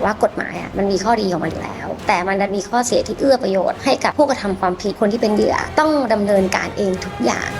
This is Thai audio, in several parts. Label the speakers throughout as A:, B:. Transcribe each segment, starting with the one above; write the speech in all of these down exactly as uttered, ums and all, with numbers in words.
A: ว่ากฎหมายอ่ะมันมีข้อดีของมันอยู่แล้วแต่มันดันมีข้อเสียที่เอื้อประโยชน์ให้กับผู้กระทำความผิดคนที่เป็นเหยื่อต้องดำเนินการเองทุกอย่าง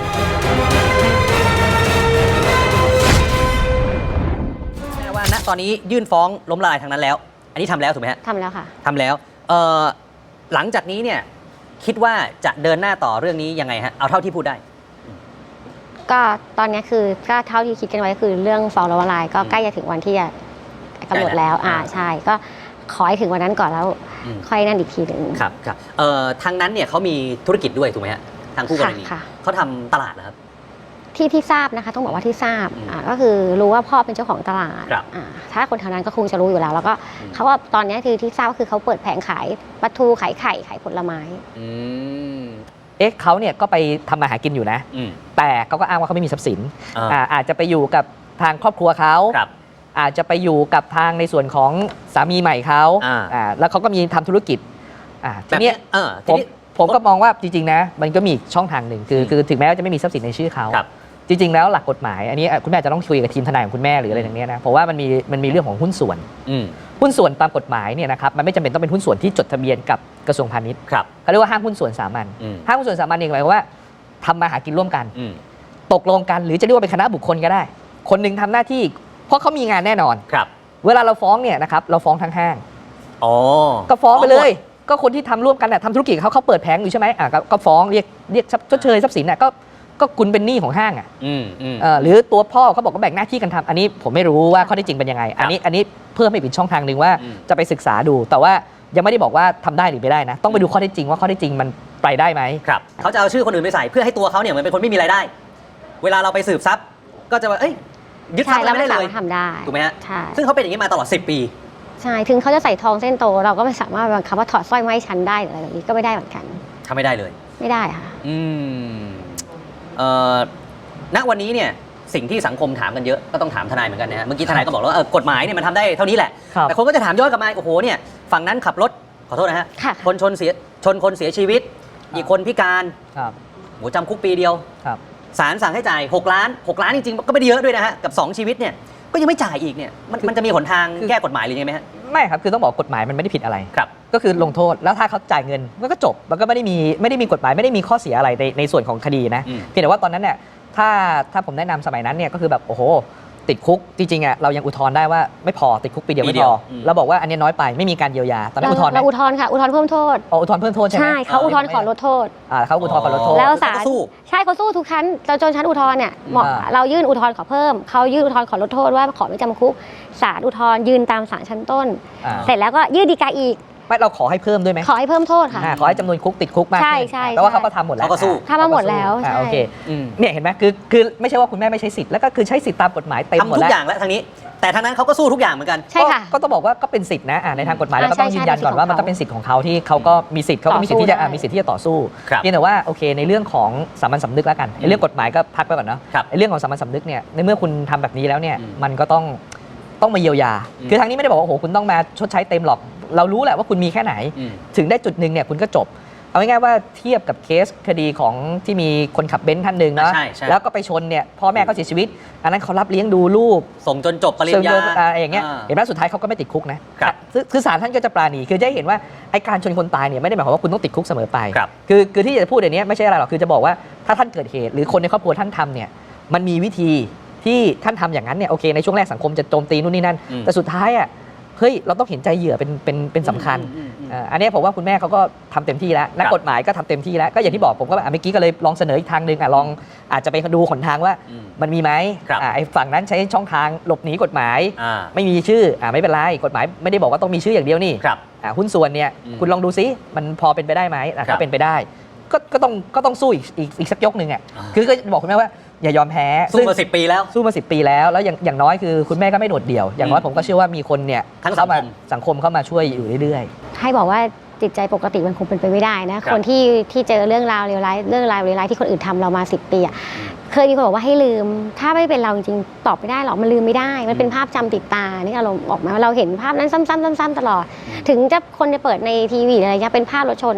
B: แม่ว่าณตอนนี้ยื่นฟ้องล้มละลายทางนั้นแล้วอันนี้ทำแล้วถูกไหมฮะ
A: ทำแล้วค่ะ
B: ทำแล้วเอ่อหลังจากนี้เนี่ยคิดว่าจะเดินหน้าต่อเรื่องนี้ยังไงฮะเอาเท่าที่พูดได้
A: ก็ตอนนี้คือก็เท่าที่คิดกันไว้คือเรื่องฟ้องล้มละลายก็ใกล้จะถึงวันที่จะกำหนดแล้วอ่าใช่ก็ขอให้ถึงวันนั้นก่อนแล้วค่อยนั่นอีกทีหนึ่ง
B: ครับครับเอ่อทางนั้นเนี่ยเขามีธุรกิจด้วยถูกไหมฮะทางคู่กรณีเขาทำตลาดเหรอครับ
A: ที่ที่ทราบนะคะต้องบอกว่าที่ทราบอ่าก็คือรู้ว่าพ่อเป็นเจ้าของตลาดอ่าถ้าคนแถวนั้นก็คงจะรู้อยู่แล้วแล้วก็เขาว่าตอนนี้คือที่ทราบก็คือเขาเปิดแผงขายปลาทูขายไข่ขายผลไม้
B: อืม
C: เอ๊ะเขาเนี่ยก็ไปทำมาหากินอยู่นะแต่เขาก็อ้างว่าเขาไม่มีทรัพย์สินอ่าอาจจะไปอยู่กับทางครอบครัวเขาอาจจะไปอยู่กับทางในส่วนของสามีใหม่เขาอ่าแล้วเขาก็มีทำธุรกิจอ่าทีนี้ผมผมก็มองว่าจริงๆนะมันก็มีช่องทางหนึ่งคือคือถึงแม้ว่าจะไม่มีทรัพย์สินในชื่อเขาจริงๆแล้วหลักกฎหมายอันนี้คุณแม่จะต้องคุยกับทีมทนายของคุณแม่หรืออะไรอย่างเงี้ยนะเพราะว่ามันมีมันมีเรื่องของหุ้นส่วนหุ้นส่วนตามกฎหมายเนี่ยนะครับมันไม่จำเป็นต้องเป็นหุ้นส่วนที่จดทะเบียนกับกระทรวงพาณิชย์เขาเรียกว่าห้างหุ้นส่วนสามัญห้างหุ้นส่วนสามัญเองหมายความว่าทำมาหากินร่วมกันตกลงกันหรือจะเรียกว่าเป็นคณะบุคคลก็ได้คนหนึ่งทำหน้าที่เพราะเขามีงานแน่นอนเวลาเราฟ้องเนี่ยนะครับเราฟ้องทั้งห้างก็ฟ้องไปเลยก็คนที่ทำร่วมกันน่ะทำธุรกิจเขาเขาเปิดแผงอยู่ใช่ไหมอ่ะก็ฟ้องเรียกเรียกชดเชยทรัพย์สินน่ะก็ก็คุณเป็นหนี้ของห้างอ่ะหรือตัวพ่อเขาบอกว่าแบ่งหน้าที่กันทำอันนี้ผมไม่รู้ว่าข้อที่จริงเป็นยังไงอันนี้อันนี้เพิ่มให้เป็นช่องทางหนึ่งว่าจะไปศึกษาดูแต่ว่ายังไม่ได้บอกว่าทำได้หรือไม่ได้นะต้องไปดูข้อที่จริงว่าข้อที่จริงมันไปได้ไหม
B: ครับเขาจะเอาชื่อคนอื่นไปใส่เพื่อให้ตัวเขาเนี่ยเหมือนเป็นคนไม่มีรายได้เวลาเราไปสืบทรัพย์ก็จะว่าเอ้ยยึดทรัพย์ไม่ได้เลย
A: ทำได้
B: ถูกไหมฮะใช่ซึ่งเขาเป็นอย่างนี้มาตลอดสิบปี
A: ใช่ถึงเขาจะใส่ทองเส้นโตเราก็ไม่สามารถบังคับว่าถอดสร้อยไม้ชั้นได้หรืออะไรแบบนี้ก็ไม่ได้เหมือนกัน
B: ทำไม่ได้เลย
A: ไม่ได้ค่ะ
B: อืมเอ่อณวันนี้เนี่ยสิ่งที่สังคมถามกันเยอะก็ต้องถามทนายเหมือนกันนะฮะเมื่อกี้ทนายก็บอกแล้วว่ากฎหมายเนี่ยมันทำได้เท่านี้แหละแต่คนก็จะถามย้อนกลับมาโอ้โหเนี่ยฝั่งนั้นขับรถขอโทษนะฮะคนชนเสียชนคนเสียชีวิตอีกคนพิการโหจำคุกปีเดียวศาลสั่งให้จ่ายหกล้านหกล้านจริงๆก็ไม่ได้เยอะด้วยนะฮะกับสองชีวิตเนี่ยก็ยังไม่จ่ายอีกเนี่ยมันมันจะมีหนทางแก้กฎหมายหรือยังไงไหมฮะ
C: ไม่ครับคือต้องบอกกฎหมายมันไม่ได้ผิดอะไรครับก็คือลงโทษแล้วถ้าเขาจ่ายเงินมันก็จบมันก็ไม่ได้มีไม่ได้มีกฎหมายไม่ได้มีข้อเสียอะไรในในส่วนของคดีนะเพียงแต่ว่าตอนนั้นเนี่ยถ้าถ้าผมแนะนำสมัยนั้นเนี่ยก็คือแบบโอ้โหติดคุกจริงๆอ่ะเรายังอุทธรณ์ได้ว่าไม่พอติดคุกปีเดียวไม่พอเราบอกว่าอันนี้น้อยไปไม่มีการเยียวยาตอนนั้นอุทธรณ์
A: เราอุทธรณ์ค่ะอุทธรณ์เพิ่มโทษ
C: อ๋ออุทธรณ์เพิ่มโทษใช่ไหม
A: ใช่เขาอุทธรณ์ขอลดโทษ
C: อ่าเขาอุทธรณ์ขอลดโทษ
A: แล้วศาลใช่เขาสู้ทุกชั้นจนชั้นอุทธรณ์เนี่ยเรายื่นอุทธรณ์ขอเพิ่มเขายื่นอุทธรณ์ขอลดโทษว่าขอไม่จำคุกศาลอุทธรณ์ยืนตามศาลชั้นต้นเสร็จแล้วก็ยื่นฎีกาอีก
C: ไม่เราขอให้เพิ่มด้วยไหม
A: ขอให้เพิ่มโทษค่ะ
C: ขอให้จำนวนคุกติดคุกมาก
A: ใช่ใช่
C: แต่ว่าเขาก็ทำหมดแล้ว
B: เขาก็สู้
A: ทำมาหมดแล้วใช่
C: โอเคเนี่ยเห็นไหมคือคือไม่ใช่ว่าคุณแม่ไม่ใช้สิทธิ์แล้วก็คือใช้สิทธิ์ตามกฎหมายเต็มหมดแล้ว
B: ทำทุกอย่างแล้วทางนี้แต่ทางนั้นเขาก็สู้ทุกอย่างเหมือนกัน
A: ใช่ค่ะ
C: ก็ต้องบอกว่าก็เป็นสิทธิ์นะในทางกฎหมายแล้วก็ต้องยืนยันก่อนว่ามันก็เป็นสิทธิ์ของเขาที่เขาก็มีสิทธิ์เขาก็มีสิทธิ์ที่จะมีสิทธิ์ที่จะต่อสู้เพียงแต่ว่าโอเคในเรื่องของสามัญสำนึกแล้วกันในเรื่องกฎหมายก็พักไปก่อนเนาะในเรื่องของสามัญสำนึกเนี่ยในเมื่อคุณทำแบบนี้แล้วเนี่ยมันก็ต้องต้องมาเยียวยาคือทางนี้ไม่ได้บอกว่าโอ้โหคุณต้องมาชดใช้เต็มหรอกเรารู้แหละว่าคุณมีแค่ไหนถึงได้จุดหนึ่งเนี่ยคุณก็จบเอาง่ายๆว่าเทียบกับเคสคดีของที่มีคนขับเบนซ์ท่านหนึ่งนะแล้วก็ไปชนเนี่ยพ่อแม่เขาเสียชีวิตอันนั้นเขารับเลี้ยงดูลูก
B: ส่งจนจบปริญญา
C: อะไรอย่างเงี้ยเห็นไหมสุดท้ายเขาก็ไม่ติดคุกนะคือศาลท่านก็จะปราณีคือจะเห็นว่าไอ้การชนคนตายเนี่ยไม่ได้หมายความว่าคุณต้องติดคุกเสมอไปคือคือที่จะพูดอย่างนี้ไม่ใช่อะไรหรอกคือจะบอกว่าถ้าท่านเกิดเหตุหรือคนในครอบครัวท่านทำเนี่ยมันมีวิธีที่ท่านทำอย่างนั้นเนี่ยโอเคในช่วงแรกสังคมจะโจมตีนู่นนี่นั่นแต่สุดท้ายอ่ะเฮ้ยเราต้องเห็นใจเหยื่อเป็นเป็นเป็นสำคัญอันนี้ผมว่าคุณแม่เขาก็ทำเต็มที่แล้วนักกฎหมายก็ทำเต็มที่แล้วก็อย่างที่บอกผมก็เมื่อกี้ก็เลยลองเสนออีกทางหนึ่งอ่ะลองอาจจะไปดูหนทางว่ามันมีไหมไอ้ฝั่งนั้นใช้ช่องทางหลบหนีกฎหมายไม่มีชื่ออ่าไม่เป็นไรกฎหมายไม่ได้บอกว่าต้องมีชื่ออย่างเดียวนี่หุ้นส่วนเนี่ยคุณลองดูซิมันพอเป็นไปได้ไหมถ้าเป็นไปได้ก็ก็ต้องก็ต้องสู้อีกอีกอีกสักยกหนึ่งอ่ะคือก็บอกคุณแม่ว่าอย่ายอมแพ้
B: สู้มาสิบปีแล้ว
C: สู้มาสิบปีแล้วแล้วอย่างอย่างน้อยคือคุณแม่ก็ไม่โดดเดี่ยวอย่างน้อยผมก็เชื่อว่ามีคนเนี่ยเข้ามาสังคมเข้ามาช่วยอยู่เรื่อย
A: ๆให้บอกว่าจิตใจปกติมันคงเป็นไปไม่ได้นะคนที่ที่เจอเรื่องราวเลวร้ายเรื่องราวเลวร้ายที่คนอื่นทำเรามาสิบปีอ่ะเคยมีคนบอกว่าให้ลืมถ้าไม่เป็นเราจริงๆตอบไม่ได้หรอกมันลืมไม่ได้มันเป็นภาพจำติดตานี่เราออกมาเราเห็นภาพนั้นซ้ำๆๆๆตลอดถึงจะคนจะเปิดในทีวีอะไรเงี้ยเป็นภาพรถชน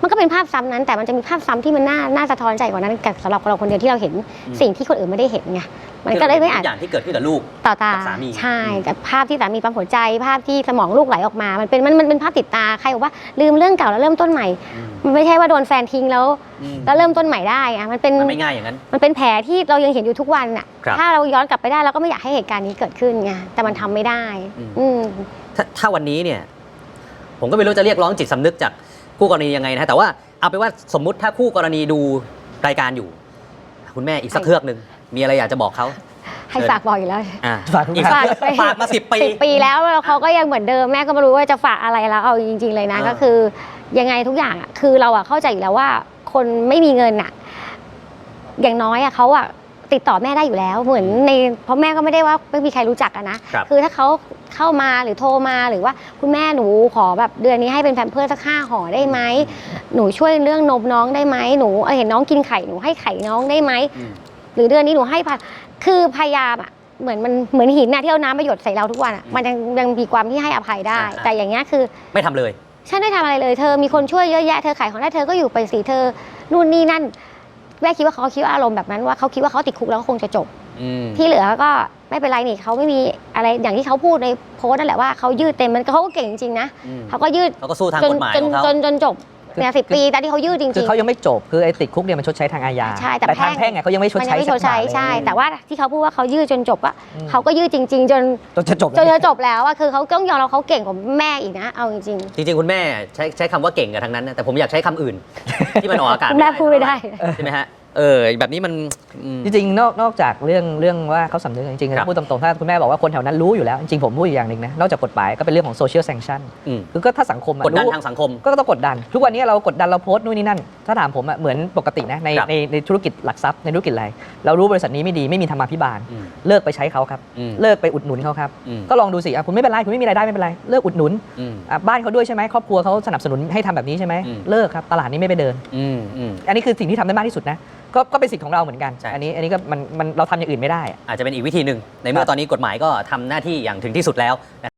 A: มันก็เป็นภาพซ้ำนั้น แต่มันจะมีภาพซ้ำที่มันน่าน่าสะท้อนใจกว่านั้นกับสำหรับเราคนเดียวที่เราเห็นสิ่งที่คนอื่นไม่ได้เห็นไงมันก็เลยไม่อาจ
B: อย่างที่เกิดขึ้นกับลูก
A: ต่อตา
B: กับสามี
A: ใช่กับภาพที่สามีปั๊มหัวใจภาพที่สมองลูกไหลออกมา มันเป็นมันมันเป็นภาพติดตาใครบอกว่าลืมเรื่องเก่าแล้วเริ่มต้นใหม่ มันไม่ใช่ว่าโดนแฟนทิ้งแล้วแล้วเริ่มต้นใหม่ได้อะมันเป็น
B: มันไม่ง่ายอย่างนั้น
A: มันเป็นแผลที่เรายังเห็นอยู่ทุกวันอ่ะ
B: ครับ
A: ถ้าเราย้อนกลับไปได้เราก็ไม่อยากให้เหตุการณ์นี้เกิดขึ้นไงแต่มันทำไม่ได้
B: อืม
A: อืม
B: ถ้าถ้าวันนี้เนี่ยผมก็ไม่รู้จะเรียกร้องจิตสำนึกจากคู่กรณียังไงนะแต่ว่าเอาไปนว่าสมมุติถ้าคู่กรณีดูรายการอยู่ คุณแม่อีกสัก
A: ให้
B: เครือกหนึ่งมีอะไรอยากจะบอกเขา
A: ให้ฝากบอกอยู่แล้ว
B: อ่ะ
C: ฝากทุก
B: อีก
C: ท่าน
B: สักเครือกฝากมาสิบปี
A: สิบปีแล้วแล้วเขาก็ยังเหมือนเดิมแม่ก็ไม่รู้ว่าจะฝากอะไรแล้วเอาจริง ๆเลยนะ
B: เออ
A: ก็คือยังไงทุกอย่างอะคือเราอะเข้าใจอยู่แล้วว่า คนไม่มีเงินอะอย่างน้อยอะเขาอะติดต่อแม่ได้อยู่แล้ว เหมือนในเพราะแม่ก็ไม่ได้ว่าไม่มีใครรู้จักอะนะครับ คือถ้าเขาเข้ามาหรือโทรมาหรือว่าคุณแม่หนูขอแบบเดือนนี้ให้เป็นแพมเพิร์สสักห้าห่อได้ไหมหนูช่วยเรื่องนมน้องได้ไหมหนูเห็นน้องกินไข่หนูให้ไข่น้องได้ไหม
B: อืม
A: หรือเดือนนี้หนูให้พันคือพยายามอะเหมือนมันเหมือนหินน่ะที่เอาน้ำมาหยดใส่เราทุกวันอะมันยังยังมีความที่ให้อภัยได้
B: อ่า
A: แต่อย่างเงี้ยคือ
B: ไม่ทำเลย
A: ฉันไม่ทำอะไรเลยเธอมีคนช่วยเยอะแยะเธอขายของได้เธอก็อยู่ไปสิเธอนู่นนี่นั่นแม่คิดว่าเขาคิดว่าอารมณ์แบบนั้นว่าเขาคิดว่าเขาติดคุกแล้วก็คงจะจบ
B: อืม
A: ที่เหลือก็ไม่เป็นไรนี่เขาไม่มีอะไรอย่างที่เขาพูดในโพสต์นั่นแหละว่าเขายืดเต็มมันเขาก็เก่งจริงๆนะ
B: อืม
A: เขาก็ยืด
B: เขาก็สู้ทาง
A: จน
B: กฎหมาย
A: จน
B: ของเขา
A: จนจนจบเนี่ยสิบปีแต่ที่เขายืดจริงๆ
C: คือเขายังไม่จบคือไอ้ติดคุกเนี่ยมันชดใช้ทางอาญา
A: ใช่แต่
C: ทาง
A: แพ่
C: แพ่
A: ง
C: งเนี่ยเขายังไม่ชด
A: มันยั
C: ใช้
A: งไม่ชดใช้
C: สักบาทเลย
A: ใช่ แต่ว่าที่เขาพูดว่าเขายืดจนจบอะ
C: อืม
A: เขาก็ยืดจริง ๆ จน
C: จนจะจบ
A: จน
C: แล้ว
A: จะจบแล้วอะคือเขาต้องยอมรับเขาเก่งกว่าแม่อีกนะเอาจริง
B: จริงๆ คุณแม่ใช้ใช้คำว่าเก่งกับทางนั้นนะแต่ผมอยากใช้คำอื่น ที่มันออกอากาศ
A: ๆคุณแม่พูดไม่ได้
B: ใช่ไหมฮะเออแบบนี้มันอืม
C: จริงๆนอกนอกจากเรื่องเรื่องว่าเขาสำนึกจริง
B: ครับ
C: ๆพูดตรงๆถ้าคุณแม่บอกว่าคนแถวนั้นรู้อยู่แล้ว จริงๆผมพูดอีกอย่างหนึ่งนะนอกจากกฎหมายก็เป็นเรื่องของโซเชียลแซงชั่น
B: อืม
C: คือก็ถ้าสังคมอะ
B: กดดัน
C: รู้
B: ทางสังคม
C: ก็ต้องกดดัน ทุกวันนี้เรากดดันเราโพสต์นู่นนี่นั่น ถ้าถามผมอะเหมือนปกตินะใน
B: ครับ
C: ในในธุรกิจหลักทรัพย์ในธุรกิจอะไรเรารู้บริษัทนี้ไม่ดีไม่มีธรรมาภิบาล
B: อืม
C: เลิกไปใช้เขาครับ
B: อืม
C: เลิกไปอุดหนุนเขาครับ
B: อืม
C: ก็ลองดูสิอ่ะคุณไม่เป็นไรคุณไม่มีรายได้ไม่เป็นไรเลิกอุดหนุน
B: อืม
C: อ่ะบ้านเขาด้วยใช่ไหมครอบครัวเขาสนับสนุนให้ทำแบบนี้ใช่ไหม
B: อืม
C: เลิกครับตลาดนี้ไม่ไปเดิน
B: อืมอืม
C: อันนี้คือสิ่งที่ทำได้มากที่สุดนะก็ก็เป็นสิทธิ์ของเราเหมือนกัน
B: ใช่
C: อันนี้อันนี้ก็มันมันเราทำอย่างอื่นไม่ได้
B: อาจจะเป็นอีกวิธีหนึ่งในเมื่อตอนนี้กฎหมายก็ทำหน้าที่อย่างถึงที่สุดแล้ว